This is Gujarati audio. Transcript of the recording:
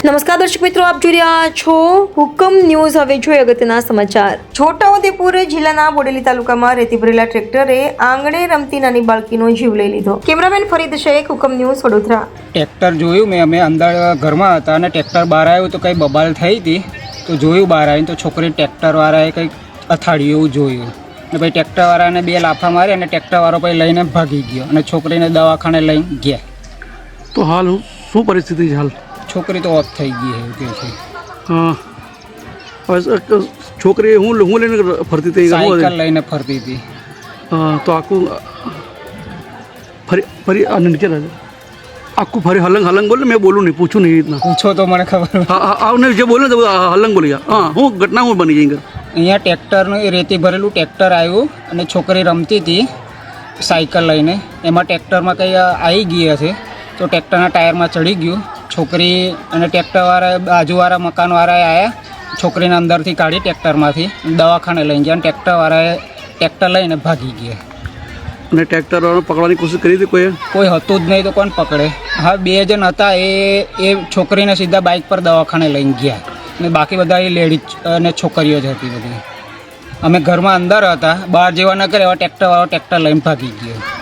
નમસ્કાર દર્શક મિત્રો, આપ જોઈ રહ્યા છો હુકમ ન્યૂઝ. હવે જોઈએ અગત્યના સમાચાર. છોટાઉદેપુર જિલ્લાના બોડેલી તાલુકામાં રેતી ભરેલા ટ્રેક્ટરે આંગણે રમતી નાની બાળકીનો જીવ લઈ લીધો. કેમેરામેન ફરીદ શેખ, હુકમ ન્યૂઝ, વડોદરા. ટ્રેક્ટર જોયું મેં, અમે અંદર ઘરમાં હતા અને ટ્રેક્ટર બહાર આવ્યું તો કંઈ બબાલ થઈ હતી. તો જોયું બહાર આવીને તો છોકરી ટ્રેક્ટરવાળાએ કંઈક અથાડ્યું એવું જોયું અને પછી ટ્રેક્ટરવાળાને 2 લાફા મારી અને ટ્રેક્ટરવાળો પછી લઈને ભાગી ગયો અને છોકરીને દવાખાને લઈને ગયા. તો હાલ શું પરિસ્થિતિ છે હાલ? છોકરી તો ઓફ થઈ ગઈ એવું કહે છે. હા, હવે છોકરી હું લઈને ફરતી હતી, સાયકલ લઈને ફરતી હતી. હા, તો આખું ફરી નીચે રહે આખું ફરી હલંગ બોલે. મેં બોલું નહીં, પૂછું નહીં, રીતના પૂછો તો મને ખબર. હા, આવને જે બોલે તો હલંગ બોલી ગયા. હા, હું ઘટના હું બની ગઈ. અહીંયા ટ્રેક્ટરનું રેતી ભરેલું ટ્રેક્ટર આવ્યું અને છોકરી રમતી હતી સાયકલ લઈને. એમાં ટ્રેક્ટરમાં કંઈ આવી ગઈ હશે તો ટ્રેક્ટરના ટાયરમાં ચડી ગયું. છોકરી અને ટ્રેક્ટરવાળા બાજુવાળા મકાનવાળાએ આવ્યા, છોકરીને અંદરથી કાઢી ટ્રેક્ટરમાંથી દવાખાને લઈ ગયા અને ટ્રેક્ટરવાળાએ ટ્રેક્ટર લઈને ભાગી ગયા. અને ટ્રેક્ટરવાળાને પકડવાની કોશિશ કરી હતી? કોઈ હતું જ નહીં તો કોણ પકડે? હા, 2 જણ હતા. એ છોકરીને સીધા બાઇક પર દવાખાને લઈને ગયા અને બાકી બધા એ લેડીઝ અને છોકરીઓ જ હતી બધી. અમે ઘરમાં અંદર હતા, બહાર જેવા ન કરે એવા ટ્રેક્ટરવાળો ટ્રેક્ટર લઈને ભાગી ગયો.